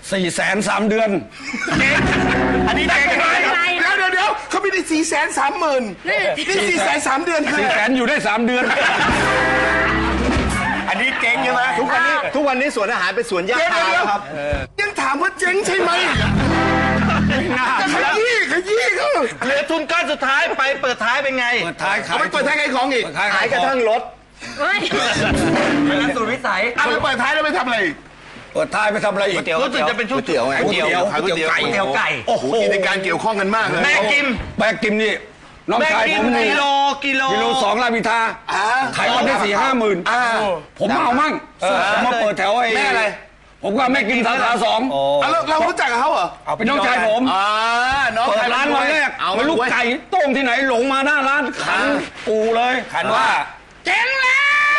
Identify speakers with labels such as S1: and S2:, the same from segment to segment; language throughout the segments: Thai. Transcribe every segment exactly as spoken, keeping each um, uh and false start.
S1: สี่แสนสามเดือน
S2: อันนี้ได้ไงเดี๋ยวเดี๋ยวเดี๋ยวเขาไม่ได้สี่แสนสามหมื่นนี่สี่แสนสามเดือนคือ
S1: สี่แสนอยู่ได้สามเดือน
S3: อันนี้เจ๊งใช่ไหมทุกวันนี้ทุกวันนี้สวนอาหารเป็นสวนหญ้าคาแล้วครับ
S2: ยังถามว่าเจ๊งใช่ไหมจะขยี้ขยี้เขา
S4: เหลือทุนก้อนสุดท้ายไปเปิดท้ายเป็นไง
S1: เปิดท้ายขาย
S2: ไปเปิดท้ายขายของอีก
S3: ขายกระทั่งรถ
S4: นั่นสุดวิสัย
S2: เอาไปเปิดท้ายแล้วไปทำอะไร
S1: เปิดท้ายไปทำอะไรอีก
S4: รู้สึกจะเป็นชุด
S3: เตี๋ยวไง
S1: ก๋วยเตี๋ยวก๋วยเตี๋ยวไก่
S4: ก๋วยเตี๋ยวไก่
S2: โอ้โหกิจการเกี่ยวข้องกันมากเลย
S4: แม่กิม
S1: แม่กิมนี่น้องชายผม
S4: กิโลกิโล
S1: กิโลสองลาบิทาขายวันได้สี่ห้าหมื่นผมเอามั่งผมมาเปิดแถวไอ้
S2: แม่อะไร
S1: ผมก็แม่กิมสาขาสอง
S2: เรารู้จักกับเขาเหรอ
S1: เป็นน้องชายผมเปิดร้านวันแรกไม่รู้ไก่ต้มที่ไหนหลงมาหน้าร้านขันปูเลยขันว่าเจ๊งแล้ว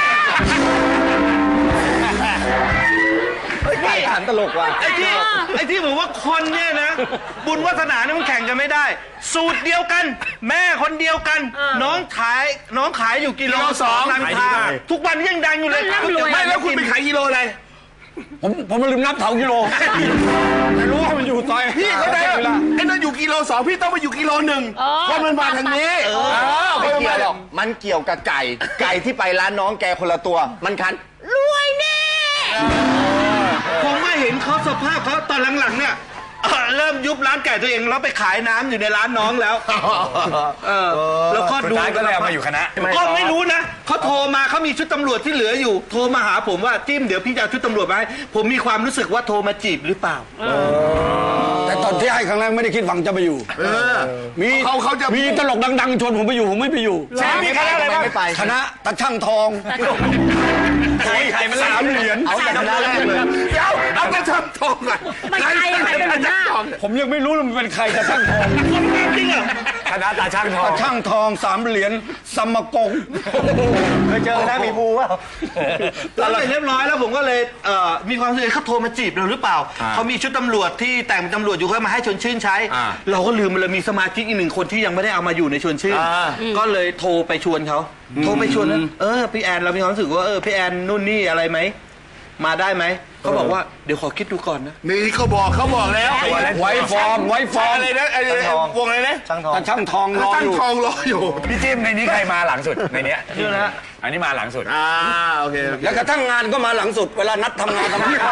S3: ไก่ขันตลกว่ะ
S4: ไอ้ที่ไอ้ที่ผมว่าคนเนี่ยนะบุญวาสนาเนี่ยมันแข่งกันไม่ได้สูตรเดียวกันแม่คนเดียวกันน้องขายน้องขายอยู่กิโลสองราคาทุกวันยังดังอยู่เลย
S2: ไม่แล้วคุณไปขายกิโลอะไร
S1: ผมผมลืมนับเท่ากิโลไม่รู้ว่ามันอยู่ซอย
S2: พี่เขาได้ไอ้นั่นอยู่กิโลสองพี่ต้องมาอยู่กิโลหนึ่งคนมันมาทางนี้
S3: ไม่เกี่ยวหรอกมันเกี่ยวกับไก่ไก่ที่ไปร้านน้องแกคนละตัวมันคันรวยแน่
S4: ผมไม่เห็นเขาสภาพเขาตอนหลังๆเนี่ยเริ่มยุบร้านไก่ตัวเองแล้วไปขายน้ำอยู่ในร้านน้องแล้วเออแล้วก็ดู
S3: ก็เลยเอามาอยู่คณะ
S4: ก็ไม่รู้นะเขาโทรมาเขามีชุดตำรวจที่เหลืออยู่โทรมาหาผมว่าจิ้มเดี๋ยวพี่จะเอาชุดตำรวจมาให้ผมมีความรู้สึกว่าโทรมาจีบหรือเปล่า
S1: แต่ตอนที่ให้ครั้งแรกไม่ได้คิดหวังจะไปอยู่มี
S2: เขาเขาจะ
S1: มีตลกดังๆชวนผมไปอยู่ผมไม่ไปอยู่
S3: มีคณะอะไรบ้าง
S1: คณะตะช่างทอง
S3: ใครใครมัน
S1: สามเหรียญ
S3: เอาแต่คณะแรกเลย
S2: เดี๋ยวเอาตะช่างทองอ่ะ
S5: ใครใครเป็นหัวหน้า
S1: ผมยังไม่รู้เลยมันเป็นใครตะช่างทอง
S4: จริงเหรอ
S3: คณะตาช่างทอง
S1: ตะช่างทองสามเหรียญสมกง
S3: เคยเจอนะมีภูว่า
S4: ตอนเรียบร้อยแล้วผมก็เลยมีความรู้สึกเขาโทรมาจีบเราหรือเปล่าเขามีชุดตำรวจที่แต่งเป็นตำรวจอยู่เขามาให้ชวนชื่นใช้เราก็ลืมเลยมีสมาชิกอีกหนึ่งคนที่ยังไม่ได้เอามาอยู่ในชวนชื่นก็เลยโทรไปชวนเขาโทรไปชวนแล้วเออพี่แอนเรามีความรู้สึกว่าเออพี่แอนนู่นนี่อะไรไหมมาได้ไหมเขาบอกว่าเดี๋ยวขอคิดดูก่อนนะ
S2: นี่เขาบอกเขาบอกแล้ว
S1: ไว้ฟอร์มไว้ฟอร์ม
S2: อะไรนะไอ้วงอะไรนะ
S3: ช่างทอง
S1: ช่างทองรออยู่
S2: ช่างทองรออยู่
S3: พี่จิ้มในนี้ใครมาหลังสุดในนี้
S4: นี่นะ
S3: อันนี้มาหลังสุด
S2: อ่าโอเค
S1: แล้วกระทั่งงานก็มาหลังสุดเวลานัดทำงานทำงาน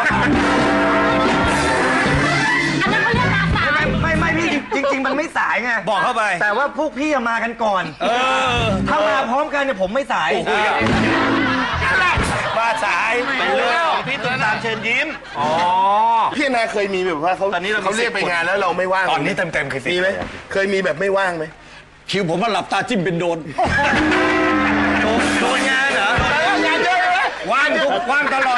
S5: อันนั้นเขาเรียกมาสาย
S3: ไม่ไม่พี่จริงๆมันไม่สายไง
S4: บอกเข้าไป
S3: แต่ว่าพวกพี่มากันก่อนเออถ้ามาพร้อมกันเนี่ยผมไม่สายมาสาย
S4: เป็นเรื่องของพี่ตุ้มตามเชิญยิ้ม
S2: อ๋อพี่นาเคยมีแบบว่าเขาตอนนี้เราเขาเรียกไปงานแล้วเราไม่ว่าง
S3: ตอนนี้เต็มเต็มเคย
S2: มีไหมเคยมีแบบไม่ว่างไหม
S1: คิวผมว่าหลับตาจิ้มเป็นโดน
S4: โดนงานเหรอง
S2: านเยอะเลย
S1: ว่างทุกว่างตลอด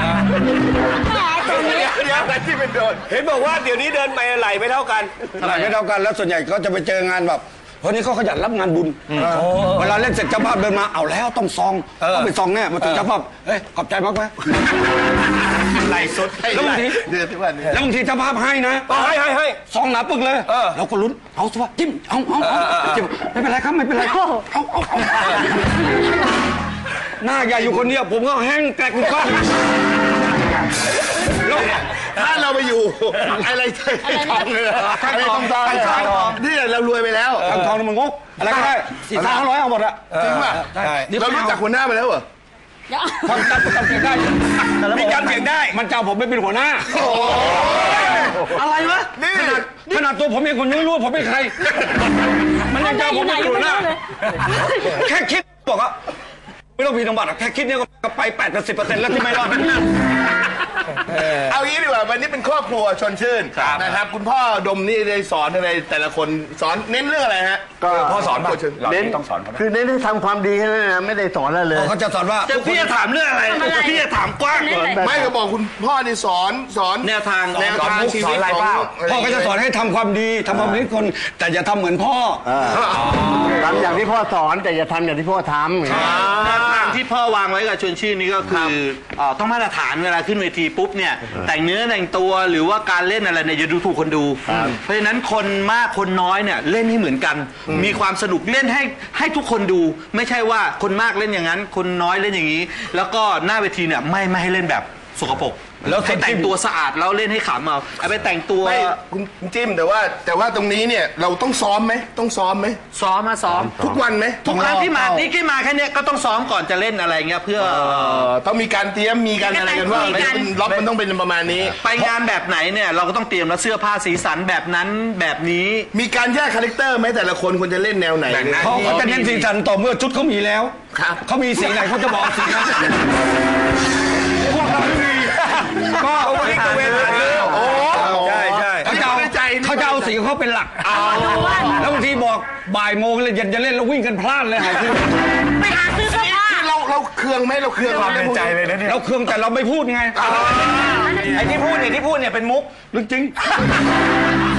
S2: เดี๋ยวเดี๋ยวแต่ที่เป็นโดน
S3: เห็นบอกว่าเดี๋ยวนี้เดินไปไหลไม่เท่ากัน
S1: ไหลไม่เท่ากันแล้วส่วนใหญ่ก็จะไปเจองานแบบเพราะนี้เขาขยันรับงานบุญเวลาเล่นเสร็จเจ้าภาพเดินมาเอาแล้วต้องซองต้องไปซองแน่มาถึงเจ้าภาพเฮ้ยขอบใจมากไหม
S3: ไหลสุด
S1: แล้วบางทีแล้วบางทีเจ้าภาพให้นะ
S3: ให้ให้ให้
S1: ซองหนาปึกเลยเราก็ลุ้นเอาสิวะจิ้มเอาเอาเอาจิ้มไม่เป็นไรครับไม่เป็นไรเอาเอาเอาหน้าใหญ่อยู่คนเดียวผมก็แห้งแกลกก้อน
S2: ถ้าเราไปอยู่อะไรทองเลยทองทองทองนี่เรารวยไปแล้ว
S1: ทองทองมันงกอะไรก็ได้สี่ห้าร้อยเอาหมดอะ
S2: จริงป่ะเรารู้จักหัวหน้าไปแล้วเหรอ
S1: ทำจำจำเสียงได้
S3: มีจำเสียงได้
S1: มันเจ้าผมไม่เป็นหัวหน้า
S4: อะไรวะ
S1: นี่ขนาดตัวผมเองคนยังไม่รู้ผมเป็นใครมันยังเจ้าผมเป็นหัวหน้าแค่คิดบอกว่าไม่ต้องพีน้ำบัตรแค่คิดเนี่ยก็ไปแปดสิบสิบเปอร์เซ็นต์แล้วที่ไม่รอด
S2: เอางี้ดีกว่าวันนี้เป็นครอบครัวชวนชื่นนะครับคุณพ่อดมนี่ได้สอนอะไรแต่ละคนสอนเน้นเรื่องอะไรฮะ
S3: ก็พ่อสอนเน้น
S6: ต้องสอน
S3: คือเน้นให้ทำความดีแค่นั้นนะไม่ได้สอนอะไรเลย
S1: เขาจะสอนว่า
S4: พี่จะถามเรื่องอะไรพี่จะถามกว้าง
S2: ไม่ก็บอกคุณพ่อนี่สอนสอน
S4: แนวทาง
S2: แนวทางชีวิตของ
S1: พ่อก็จะสอนให้ทำความดีทำความดีคนแต่อย่าทำเหมือนพ่อ
S3: ทำอย่างที่พ่อสอนแต่อย่าทำอย่างที่พ่อทำ
S4: แนวทางที่พ่อวางไว้กับชวนชื่นนี้ก็คือต้องมาตรฐานเวลาขึ้นเวทีปุ๊บเนี่ยแต่งเนื้อแต่งตัวหรือว่าการเล่นอะไรเนี่ยจะดูถูกคนดูเพราะฉะนั้นคนมากคนน้อยเนี่ยเล่นให้เหมือนกันมีความสนุกเล่นให้ให้ทุกคนดูไม่ใช่ว่าคนมากเล่นอย่างนั้นคนน้อยเล่นอย่างนี้แล้วก็หน้าเวทีเนี่ยไม่ไม่ให้เล่นแบบสกปรก
S1: แล้ว
S4: ให้แต่งตัวสะอาดแล้วเล่นให้ขำเอาไอ้ไปแต่งตัว
S2: ไม่คุณคุณจิ้มแต่ว่าแต่ว่าตรงนี้เนี่ยเราต้องซ้อมไหมต้องซ้อมไหม
S4: ซ้อมมาซ้อม
S2: ทุกวันไหม
S4: ทุกครั้งที่มาที่ที่มาแค่เนี้ยก็ต้องซ้อมก่อนจะเล่นอะไรเงี้ยเพื่อ
S2: เอ่อต้องมีการเตรียมมีการอะไรกันว่าไม่เป็นล็อกมันต้องเป็นประมาณนี้
S4: ไปงานแบบไหนเนี่ยเราก็ต้องเตรียมแล้วเสื้อผ้าสีสันแบบนั้นแบบนี้
S2: มีการแยกคาแรคเตอร์ไหมแต่ละคนควรจะเล่นแนวไหน
S1: เขาเขาจะเน้นสีสันต่อเมื่อชุดเขามีแล้ว
S2: ครับ
S1: เขามีสีไหนเขาจะบอกสีนั้นพวกเราไม่มีก็วันนี้ก็เวลาโอ้ใช่ใช่เขาจะเอาเขาจะเอาสีของเขาเป็นหลักแล้วบางทีบอกบ่ายโมงเลยเย็นจะเล่นแล้ววิ่งกันพลาดเลยหายไป
S5: ไปหาซื้อเสื้อผ้า
S2: เราเราเคืองไหมเราเคืองเราไม่พูด
S1: เราเครื่องแต่เราไม่พูดไง
S3: ไอ้ที่พูดเนี่ยที่พูดเนี่ยเป็นมุก
S1: เรื่องจริง